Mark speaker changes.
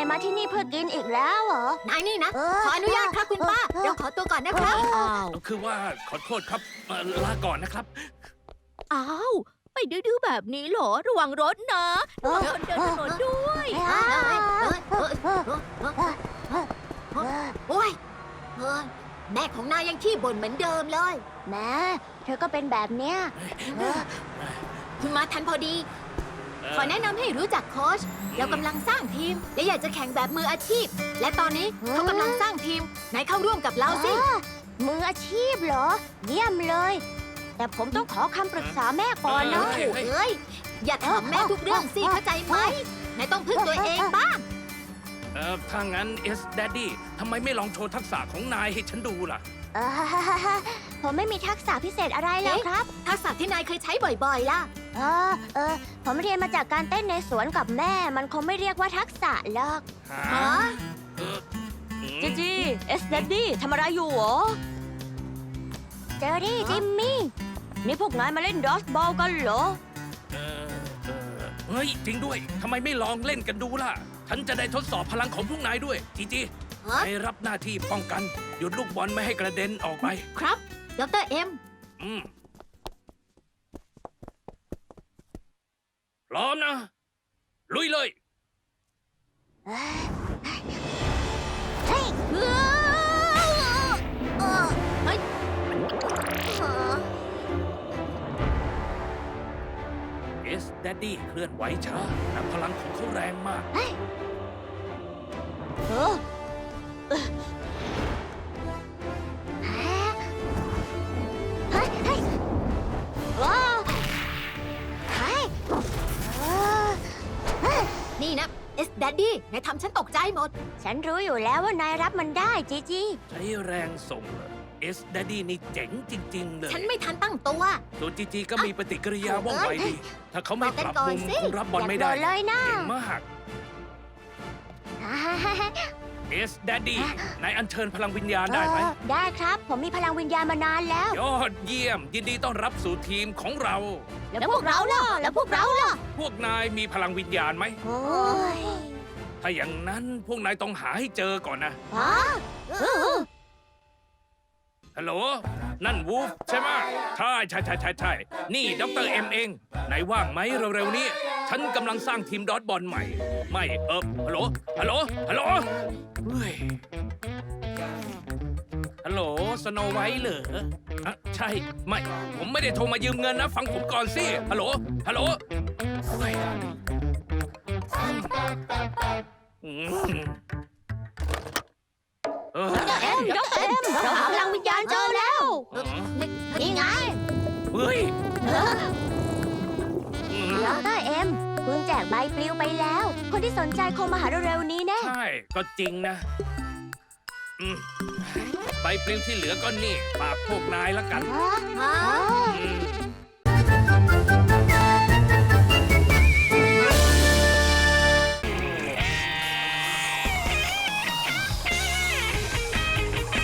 Speaker 1: มาที่นี่เพื่อกินอีกแล้วเหรอ
Speaker 2: นายนี่นะ ขออนุญาตครับคุณป้า เราขอตัวก่อนนะครับ
Speaker 3: อ้าว
Speaker 4: คือว่าขอโทษครับลาก่อนนะครับ
Speaker 3: อ้าว ไปดื้อๆแบบนี้เหรอ ระวังรถนะระวังคนเดินถนนด้วย
Speaker 2: โอ้ยแม่ของนายยังขี้บ่นเหมือนเดิมเลย
Speaker 1: แม่เธอก็เป็นแบบเนี้ย
Speaker 2: คุณมาทันพอดี ขอแนะนำให้รู้จักโค้ชเรากำลังสร้างทีม และอยากจะแข่งแบบมืออาชีพ และตอนนี้เขากำลังสร้างทีมนายเข้าร่วมกับเราสิ
Speaker 1: มืออาชีพเหรอ เยี่ยมเลย แต่ผมต้องขอคำปรึกษาแม่ก่อนนะ
Speaker 2: เอ้ย อย่าถามแม่ทุกเรื่องสิเข้าใจไหมนายต้องพึ่งตัวเองบ้าง
Speaker 4: ถ้างั้นDaddy ทำไมไม่ลองโชว์ทักษะของนายให้ฉันดูล่ะ
Speaker 1: เอ่อผมไม่มีทักษะพิเศษอะไรหรอกครับ
Speaker 2: ทักษะที่นายเคยใช้บ่อยๆล่ะ
Speaker 1: ผมเรียนมาจากการเต้นในสวนกับแม่ มันคงไม่เรียกว่าทักษะหรอก
Speaker 2: ฮะ
Speaker 3: จีจีเอสเดดดี้ทำอะไรอยู่หรอ
Speaker 1: เจอรี่จิมมี่
Speaker 3: นี่พวกนายมาเล่นดอสบอลกันเหรอ
Speaker 4: เฮ้ย จริงด้วย ทำไมไม่ลองเล่นกันดูล่ะ ฉันจะได้ทดสอบพลังของพวกนายด้วย จีจี
Speaker 2: ฮะ
Speaker 4: นายรับหน้าที่ป้องกัน หยุดลูกบอลไม่ให้กระเด็นออกไป
Speaker 2: ครับดรเอ็ม
Speaker 4: อืมพร้อมนะ ลุยเลย
Speaker 1: เฮ้ย
Speaker 2: เฮ้ย
Speaker 4: Daddy เคลื่อนไหวช้าแต่พลังของเขาแรงมาก
Speaker 1: เฮ้ย
Speaker 3: เออ
Speaker 1: เฮ้ยเฮ้ยว้าวเฮ้ยเฮ้ย
Speaker 2: นี่นะเอสดัดดี้นายทำฉันตกใจหมด
Speaker 1: ฉันรู้อยู่แล้วว่านายรับมันได้จีจี
Speaker 4: ใช้แรงส่งเหรอDaddy นี่เจ๋งจริง ๆ เลย
Speaker 2: ฉันไม่ทันตั้งตัว
Speaker 4: ส่วนจีจีก็มีปฏิกิริยาว่องไวดี ถ้าเขาไม่ปรับมุม
Speaker 2: บอกกันก่อนสิ
Speaker 4: คงรับบอลไม่ได้
Speaker 1: อย่าโกรธเลยนะ
Speaker 4: เก่งมาก Daddy นายอัญเชิญพลังวิญญาณได้ไหม
Speaker 1: ได้ครับ ผมมีพลังวิญญาณมานานแล้ว
Speaker 4: ยอดเยี่ยม ยินดีต้อนรับสู่ทีมของเรา
Speaker 1: แล้วพวกเราล่ะ แล้วพวกเราล่ะ
Speaker 4: พวกนายมีพลังวิญญาณไหม
Speaker 1: โอ้ย
Speaker 4: ถ้าอย่างนั้นพวกนายต้องหาให้เจอก่อนนะ
Speaker 1: ฮะ
Speaker 4: ฮัลโหล นั่นวูฟใช่ไหมใช่นี่ดรเอ็มเองไหนว่างไหมเร็วๆนี้ ฉันกำลังสร้างทีมดอทบอลใหม่ ไม่ฮัลโหลเฮ้ยฮัลโหลสโนไวท์เหรออะใช่ ไม่ ผมไม่ได้โทรมายืมเงินนะ ฟังผมก่อนสิ ฮัลโหลเฮ้ยอืมเออ
Speaker 1: เอ็มดอกเอ็มเราหาพลังวิญญาณเจอแล้ว นี่ไง
Speaker 4: เฮ้ย
Speaker 1: ดรเอ็มคุณแจกใบปลิวไปแล้ว คนที่สนใจคงมาหาเร็วๆนี้แน่
Speaker 4: ใช่ ก็จริงนะใบปลิวที่เหลือก็นี่ฝากพวกนายละกัน
Speaker 1: ฮะ